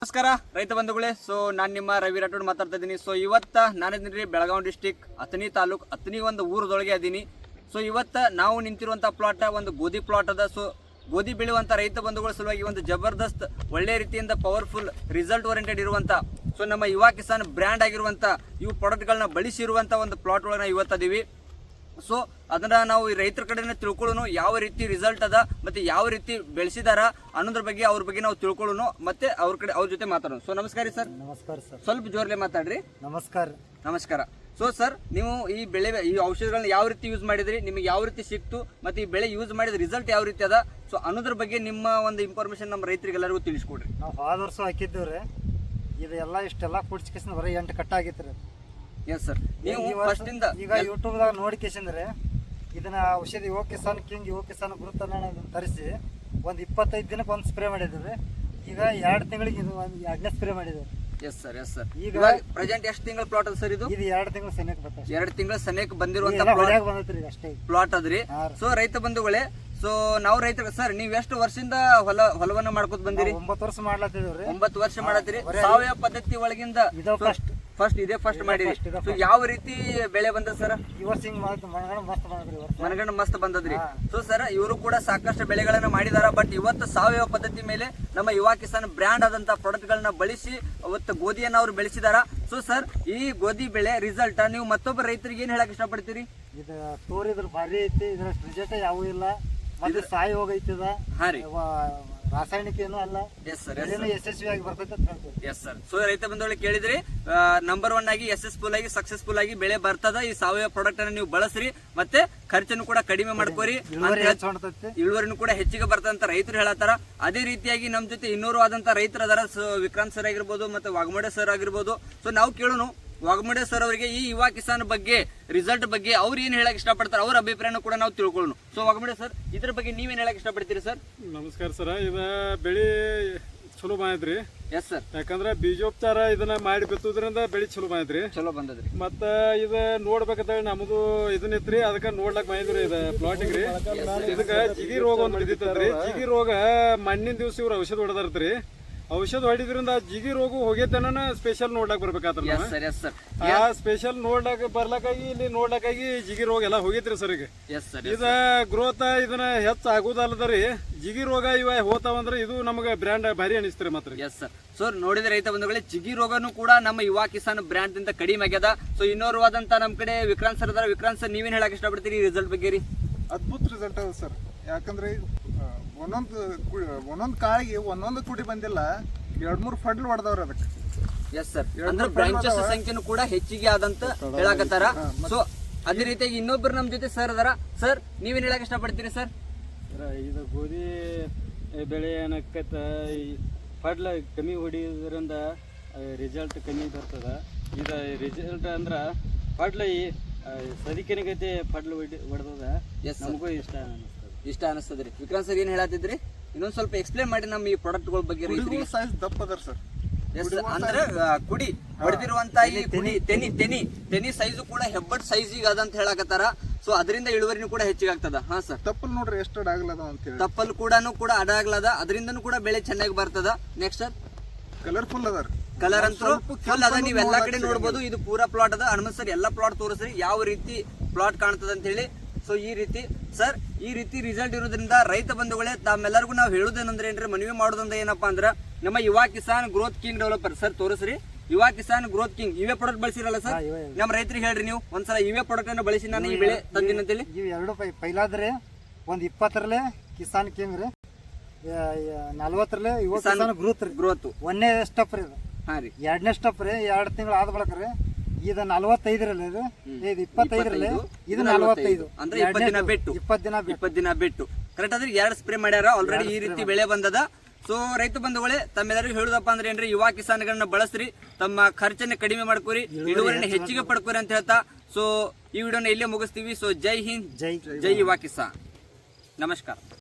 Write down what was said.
ನಮಸ್ಕಾರ ರೈತ ಬಂಧುಗಳೇ. ಸೊ ನಾನು ನಿಮ್ಮ ರವಿ ರಾಠೋಡ್ ಮಾತಾಡ್ತಾ ಇದ್ದೀನಿ. ಸೊ ಇವತ್ತು ನಾನಿದ್ದೀನಿ ಬೆಳಗಾವಿ ಡಿಸ್ಟಿಕ್ ಅಥಣಿ ತಾಲೂಕ್ ಅಥಣಿ ಒಂದು ಊರದೊಳಗೆ ಅದೀನಿ. ಸೊ ಇವತ್ತು ನಾವು ನಿಂತಿರುವಂಥ ಪ್ಲಾಟ್ ಒಂದು ಗೋಧಿ ಪ್ಲಾಟ್ ಅದ. ಸೊ ಗೋಧಿ ಬೆಳೆಯುವಂಥ ರೈತ ಬಂಧುಗಳ ಸಲುವಾಗಿ ಒಂದು ಜಬರ್ದಸ್ತ್ ಒಳ್ಳೆ ರೀತಿಯಿಂದ ಪವರ್ಫುಲ್ ರಿಸಲ್ಟ್ ಓರಿಯೆಂಟೆಡ್ ಇರುವಂಥ ಸೊ ನಮ್ಮ ಯುವ ಕಿಸಾನ್ ಬ್ರ್ಯಾಂಡ್ ಆಗಿರುವಂಥ ಇವು ಪ್ರಾಡಕ್ಟ್ಗಳನ್ನ ಬಳಸಿರುವಂಥ ಒಂದು ಪ್ಲಾಟ್ ಒಳಗೆ ನಾವು ಇವತ್ತದೀವಿ. ಸೊ ಅದನ್ನ ನಾವು ಈ ರೈತರ ಕಡೆನೇ ತಿಳ್ಕೊಳ್ಳೋನು, ಯಾವ ರೀತಿ ರಿಸಲ್ಟ್ ಅದ ಮತ್ತೆ ಯಾವ ರೀತಿ ಬೆಳೆಸಿದಾರ ಅನ್ನೋದ್ರ ಬಗ್ಗೆ ಅವ್ರ ಬಗ್ಗೆ ನಾವು ತಿಳ್ಕೊಳ್ಳೋನು, ಮತ್ತೆ ಅವ್ರ ಜೊತೆ ಮಾತಾಡೋಣ. ಸೊ ನಮಸ್ಕಾರ ಸರ್. ನಮಸ್ಕಾರ ಸರ್. ಸ್ವಲ್ಪ ಜೋರ್ಲೆ ಮಾತಾಡ್ರಿ. ನಮಸ್ಕಾರ. ನಮಸ್ಕಾರ. ಸೊ ಸರ್, ನೀವು ಈ ಔಷಧಿಗಳನ್ನ ಯಾವ ರೀತಿ ಯೂಸ್ ಮಾಡಿದ್ರಿ, ನಿಮಗೆ ಯಾವ ರೀತಿ ಸಿಕ್ತು, ಮತ್ತೆ ಈ ಬೆಳೆ ಯೂಸ್ ಮಾಡಿದ ರಿಸಲ್ಟ್ ಯಾವ ರೀತಿ ಅದ, ಸೊ ಅನ್ನೋದ್ರ ಬಗ್ಗೆ ನಿಮ್ಮ ಒಂದು ಇನ್ಫಾರ್ಮೇಶನ್ ನಮ್ಮ ರೈತರಿಗೆಲ್ಲರಿಗೂ ತಿಳಿಸ್ಕೊಡ್ರಿ. ನಾವು ಹೋದ ವರ್ಷ ಹಾಕಿದ್ದೇವ್ರಿ. ಇದೆಲ್ಲ ಇಷ್ಟೆಲ್ಲ ಕುಡ್ಸ್ಕೇಸಿಂದ ಬರೀ 8 ಕಟ್ಟ ಆಗಿತ್ರಿ. Yes sir. ನೀವು ಫಸ್ಟ್ ಇಂದ ಈಗ ಯೂಟ್ಯೂಬ್ದಾಗ ನೋಡ್ಕೇಸಂದ್ರೆ ಇದನ್ನ ಔಷಧಿ ಯುವ ಕಿಸಾನ್ ಕಿಂಗ್ ಯುವ ಕಿಸಾನ್ ಗುರುತನ್ನ ತರಿಸಿ ಒಂದು 25 ದಿನಕ್ಕೆ ಒಂದು ಸ್ಪ್ರೇ ಮಾಡಿದ್ವಿ. ಈಗ 2 ತಿಂಗಳಿಗೆ ಇದು ಒಂದು 2ನೇ ಸ್ಪ್ರೇ ಮಾಡಿದ್ವಿ. Yes sir. Yes sir. ಈಗ ಪ್ರೆಸೆಂಟ್ ಎಷ್ಟು ತಿಂಗಳ ಪ್ಲಾಟ್ ಅದ ಸರ್ ಇದು? 2 ತಿಂಗಳು ಸನಿಯಕ್ಕೆ ಬರ್ತದೆ. 2 ತಿಂಗಳ ಸನಿಯಕ್ಕೆ ಬಂದಿರುವಂತ ಬಂದೈತ್ರಿ ಅಷ್ಟೇ ಪ್ಲಾಟ್ ಅದ್ರಿ. ಸೊ ರೈತ ಬಂಧುಗಳೇ, ಸೊ ನಾವು ರೈತರು ಸರ್, ನೀವ್ ಎಷ್ಟು ವರ್ಷದಿಂದ ಹೊಲವನ್ನ ಮಾಡ್ಕೊತ ಬಂದಿರಿ? 9 ವರ್ಷ ಮಾಡ್ಲತ್ತಿದ್ರಿ. 9 ವರ್ಷ ಮಾಡತ್ತೀರಿ. ಸಾವಯವ ಪದ್ಧತಿ ಒಳಗಿಂದ ಇದೇ ಫಸ್ಟ್ ಮಾಡಿರಿ. ಸೊ ಯಾವ ರೀತಿ ಬೆಳೆ ಬಂದ ಸರ್? ಈ ವರ್ಷ ಹಿಂಗ್ ಮನಗಂಡ ಮಸ್ತ್ ಬಂದದ್ರಿ. ಸೊ ಸರ್, ಇವರು ಕೂಡ ಸಾಕಷ್ಟು ಬೆಳೆಗಳನ್ನ ಮಾಡಿದಾರ. ಬಟ್ ಇವತ್ತು ಸಾವಯವ ಪದ್ಧತಿ ಮೇಲೆ ನಮ್ಮ ಯುವ ಕಿಸಾನ್ ಬ್ರ್ಯಾಂಡ್ ಆದಂತ ಪ್ರಾಡಕ್ಟ್ ಗಳನ್ನ ಬಳಸಿ ಅವತ್ತು ಗೋಧಿಯನ್ನ ಅವ್ರು ಬೆಳೆಸಿದಾರ. ಸೊ ಸರ್, ಈ ಗೋಧಿ ಬೆಳೆ ರಿಸಲ್ಟ್ ನೀವು ಮತ್ತೊಬ್ಬ ರೈತರಿಗೆ ಏನ್ ಹೇಳಕ್ ಇಷ್ಟಪಡ್ತೀರಿ? ಇದು ತೋರಿದ್ರ ಭಾರಿ ಐತಿ. ಇದ್ರ ರಿಸಲ್ಟ್ ಯಾವೂ ಇಲ್ಲ. ಮತ್ತೆ ಸಾಯಿ ಹೋಗೈತದ. ಹಾ ರೀ. ರಾಸಾಯನಿಕ ಏನು ಅಲ್ಲ. Yes sir. ಯಶಸ್ವಿಯಾಗಿ ಬರ್ತೈತೆ ಅಂತ ಹೇಳ್ತೀವಿ. Yes sir. ಸೊ ರೈತ ಬಂಧುಗಳಿಗೆ ಕೇಳಿದ್ರಿ, ನಂಬರ್ 1 ಆಗಿ ಸಕ್ಸಸ್ಫುಲ್ ಆಗಿ ಬೆಳೆ ಬರ್ತದ. ಈ ಸಾವಯವ ಪ್ರಾಡಕ್ಟ್ ಅನ್ನ ನೀವು ಬಳಸ್ರಿ, ಮತ್ತೆ ಖರ್ಚನ್ನು ಕೂಡ ಕಡಿಮೆ ಮಾಡ್ಕೋರಿ, ಇಳುವರಿನೂ ಕೂಡ ಹೆಚ್ಚಿಗೆ ಬರ್ತದಂತ ರೈತರು ಹೇಳತ್ತಾರ. ಅದೇ ರೀತಿಯಾಗಿ ನಮ್ ಜೊತೆ ಇನ್ನೂರು ಆದಂತ ರೈತರ ಅದರ ವಿಕ್ರಾಂತ್ ಸರ್ ಆಗಿರ್ಬೋದು, ಮತ್ತೆ ವಾಘಮೋಡೆ ಸರ್ ಆಗಿರ್ಬೋದು. ಸೊ ನಾವು ಕೇಳೋನು ವಾಘಮೋಡೆ ಸರ್ ಅವರಿಗೆ ಈ ಯುವ ಕಿಸಾನ್ ಬಗ್ಗೆ ರಿಸಲ್ಟ್ ಬಗ್ಗೆ ಅವ್ರು ಏನ್ ಹೇಳಕ್ ಇಷ್ಟಪಡ್ತಾರೆ, ಅವ್ರ ಅಭಿಪ್ರಾಯನ ಕೂಡ ನಾವು ತಿಳ್ಕೊಳ್ಳೋಣ. ಸೊ ವಾಘಮೋಡೆ ಸರ್, ಇದ್ರ ಬಗ್ಗೆ ನೀವೇನ್ ಹೇಳಕ್ ಇಷ್ಟಪಡ್ತೀರಿ ಸರ್? ನಮಸ್ಕಾರ ಸರ್. ಇದ ಬೆಳಿ ಚಲೋ ಬಂದೈತ್ರಿ. Yes sir. ಯಾಕಂದ್ರ ಬೀಜೋಪಚಾರ ಇದನ್ನ ಮಾಡಿ ಬಿತ್ತುದ್ರಿಂದ ಬೆಳಿ ಚಲೋ ಬಂದೈತ್ರಿ. ಚಲೋ ಬಂದದ್ರಿ. ಮತ್ತ ಇದ ನೋಡ್ಬೇಕಂತ ನಮ್ದು ಇದನ್ನಿತ್ರಿ, ಅದಕ್ಕ ನೋಡ್ಲಕ್ ಬಂದಿದ್ರಿ. ಇದ ಪ್ಲಾಟಿಗ್ ರೀ. ಇದಕ್ಕ ಜಿಗಿ ರೋಗ ಒಂದ್ ಬಿದ್ದಿತ್ತಂದ್ರಿ. ಜಿಗಿ ರೋಗ ಮಣ್ಣಿನ ದಿವ್ಸ ಇವ್ರ ಔಷಧ ಹೊಡೆದಾರ್ತ್ರಿ. ಔಷಧ ಹೊಡಿದ್ರಿಂದ ಜಿಗಿ ರೋಗ ಹೋಗೇತನ ಸ್ಪೆಷಲ್ ನೋಡ್ಲಾಕ್ ಬರ್ಬೇಕಾತ್ರ. ಆ ಸ್ಪೆಷಲ್ ನೋಡ್ಲಾಕ ಬರ್ಲಕ್ಕಾಗಿ ಇಲ್ಲಿ ನೋಡ್ಲಕ್ಕಾಗಿ ಜಿಗಿ ರೋಗ ಎಲ್ಲ ಹೋಗೈತ್ರಿ ಸರ್. ಈಗ ಇದ ಗ್ರೋತ್ ಇದನ್ನ ಹೆಚ್ಚ ಆಗುದಲ್ಲದ್ರಿ. ಜಿಗಿ ರೋಗ ಇವ ಹೋತಾವಂದ್ರೆ ಇದು ನಮಗ ಬ್ರ್ಯಾಂಡ್ ಭಾರಿ ಅನಿಸ್ತ್ರಿ ಮಾತ್ರ. Yes sir. ಸೊ ನೋಡಿದ್ರೆ ರೈತ ಬಂಧುಗಳೇ, ಜಿಗಿ ರೋಗನು ಕೂಡ ನಮ್ಮ ಯುವ ಕಿಸಾನ್ ಬ್ರ್ಯಾಂಡ್ ಅಂತ ಕಡಿಮೆ ಆಗ್ಯದ. ಸೊ ಇನ್ನೋರ್ವಾದಂತ ನಮ್ ಕಡೆ ವಿಕ್ರಾಂತ್ ಸರ್ ಅದಾರ. ವಿಕ್ರಾಂತ್ ಸರ್, ನೀವೇನ್ ಹೇಳಕ್ ಇಷ್ಟಪಡ್ತೀರಿ ಈ ರಿಸಲ್ಟ್ ಬಗ್ಗೆ ರೀ? ಅದ್ಭುತ ರಿಸಲ್ಟ್ ಅದ ಸರ್. ಯಾಕಂದ್ರೆ ಒಂದೊಂದು ಕಾಳಿಗೆ ಒಂದೊಂದು ಕುಡಿ ಬಂದಿಲ್ಲ, 2-3 ಫಡ್ಲ್ ಹೊಡೆದವ್ರ ಅದಕ್ಕೆ. Yes sir. ಅಂದ್ರೆ ಬ್ರಾಂಚಸ್ ಸಂಖ್ಯೆನೂ ಕೂಡ ಹೆಚ್ಚಿಗೆ ಆದಂತ ಹೇಳಕತ್ತಾರ. ಸೊ ಅದೇ ರೀತಿಯಾಗಿ ಇನ್ನೊಬ್ರು ನಮ್ ಜೊತೆ ಸರ್ ಅದಾರ. ಸರ್, ನೀವೇನ್ ಹೇಳಕ್ ಇಷ್ಟಪಡ್ತೀರಿ ಸರ್? ಇದು ಗೋಧಿ ಬೆಳೆ ಏನಕ್ಕತ್ತ ಫಡ್ಲ ಕಮ್ಮಿ ಹೊಡಿಯೋದ್ರಿಂದ ರಿಸಲ್ಟ್ ಕಮ್ಮಿ ಬರ್ತದ. ಇದು ರಿಸಲ್ಟ್ ಅಂದ್ರ ಫಡ್ಲ ಸದಿಕೆನಗೈತೆ ಫಡ್ಲ ಹೊಡೆದ ನಮಗೂ ಇಷ್ಟ ಅನಿಸ್ತದ್ರಿ. ವಿಕ್ರಾಂತ್ ಸರ್, ಏನ್ ಹೇಳತ್ತಿದ್ರಿ? ಇನ್ನೊಂದ್ ಸ್ವಲ್ಪ ಎಕ್ಸ್ಪ್ಲೇನ್ ಮಾಡಿ ನಮ್ಮ ಈ ಪ್ರಾಡಕ್ಟ್ಗಳ ಬಗ್ಗೆ. ಸೈಜ್ ದಪ್ಪ ಅದರ ಸರ್. ಎಸ್, ಅಂದ್ರೆ ಕುಡಿ ಹೊಡೆದಿರುವಂತ ಈ ತೆನಿ ಸೈಜು ಕೂಡ ಹೆಬ್ಬಟ್ ಸೈಜ್ ಈಗ ಅದಂತ ಹೇಳಕತ್ತಾರ. ಸೊ ಅದರಿಂದ ಇಳುವರಿನೂ ಕೂಡ ಹೆಚ್ಚಿಗಾಗ್ತದ. ಹಾ ಸರ್. ತಪ್ಪಲ್ ನೋಡ್ರಿ ಎಷ್ಟು ಅಡಾಗ್ಲದ ಅಂತ ಹೇಳಿ. ತಪ್ಪಲ್ ಕೂಡ ಅಡಾಗ್ಲದ, ಅದರಿಂದನೂ ಕೂಡ ಬೆಳೆ ಚೆನ್ನಾಗಿ ಬರ್ತದ. ನೆಕ್ಸ್ಟ್ ಸರ್, ಕಲರ್ಫುಲ್ ಅದ. ಕಲರ್ ಅಂತೂ ಫುಲ್ ಅದ. ನೀವ್ ಎಲ್ಲಾ ಕಡೆ ನೋಡ್ಬೋದು. ಇದು ಪೂರಾ ಪ್ಲಾಟ್ ಅದ. ಹನುಮಂತ್ ಸರ್ ಎಲ್ಲಾ ಪ್ಲಾಟ್ ತೋರಿಸ್ರಿ ಯಾವ ರೀತಿ ಪ್ಲಾಟ್ ಕಾಣ್ತದ ಅಂತ ಹೇಳಿ. ಸೊ ಈ ರೀತಿ ಸರ್, ಈ ರೀತಿ ರಿಸಲ್ಟ್ ಇರೋದ್ರಿಂದ ರೈತ ಬಂಧುಗಳೇ, ತಾವೆಲ್ಲರಿಗೂ ನಾವು ಹೇಳುದೇನಂದ್ರೆ ಏನ್ರಿ, ಮನವಿ ಮಾಡೋದಂದ್ರೆ ಏನಪ್ಪಾ ಅಂದ್ರ ನಮ್ಮ Yuva Kisan growth king developer sir ತೋರಿಸ್ರಿ. ಯುವ ಕಿಸಾನ್ ಗ್ರೋತ್ ಕಿಂಗ್ ಇವೇ ಪ್ರಾಡಕ್ಟ್ ಬಳಸಿರಲ್ಲ ಸರ್? ನಮ್ಮ ರೈತರಿಗೆ ಹೇಳ್ರಿ ನೀವು ಒಂದ್ಸಲ ಇವೇ ಪ್ರಾಡಕ್ಟ್ ಅನ್ನು ಬಳಸಿ ನಾನು ಈ ಬೆಳೆ ತಂದಿನ ಅಂತೇಳಿ. ಇವ್ 2 ಪೈಲಾದ್ರೆ ಒಂದ್ 20ರಲ್ಲೇ ಕಿಸಾನ್ ಕಿಂಗ್ ರೀ, 40ರಲ್ಲೇ ಯುವ ಕಿಸಾನ್ ಗ್ರೋತ್ 1ನೇ ಸ್ಟೆಪ್ ರೀ. ಹಾ ರೀ. 2ನೇ ಸ್ಟೆಪ್ ರೀ. 2 ತಿಂಗಳು ಆದ ಬಳಕ ರೀ. ಇದು 45ರಲ್ಲಿ ಇದು 25ರಲ್ಲಿ ಇದು 45. ಅಂದ್ರೆ 20 ದಿನ ಬಿಟ್ಟು ಕರೆಕ್ಟ್ ಆದ್ರೆ 2 ಸ್ಪ್ರೇ ಮಾಡ್ಯಾರ ಆಲ್ರೆಡಿ. ಈ ರೀತಿ ಬೆಳೆ ಬಂದದ. ಸೊ ರೈತ ಬಂಧುಗಳೇ, ತಮ್ಮೆಲ್ಲರಿಗೂ ಹೇಳುದಪ್ಪ ಅಂದ್ರೆ ಏನ್ರಿ, ಯುವ ಕಿಸಾನ್ಗಳನ್ನ ಬಳಸ್ರಿ, ತಮ್ಮ ಖರ್ಚನ್ನ ಕಡಿಮೆ ಮಾಡ್ಕೋರಿ, ಇಳುವರಿನ ಹೆಚ್ಚಿಗೆ ಪಡ್ಕೋರಿ ಅಂತ ಹೇಳ್ತಾ ಸೊ ಈ ವಿಡಿಯೋನ ಇಲ್ಲೇ ಮುಗಿಸ್ತೀವಿ. ಸೊ ಜೈ ಹಿಂದ್, ಜೈ ಯುವ ಕಿಸಾನ್. ನಮಸ್ಕಾರ.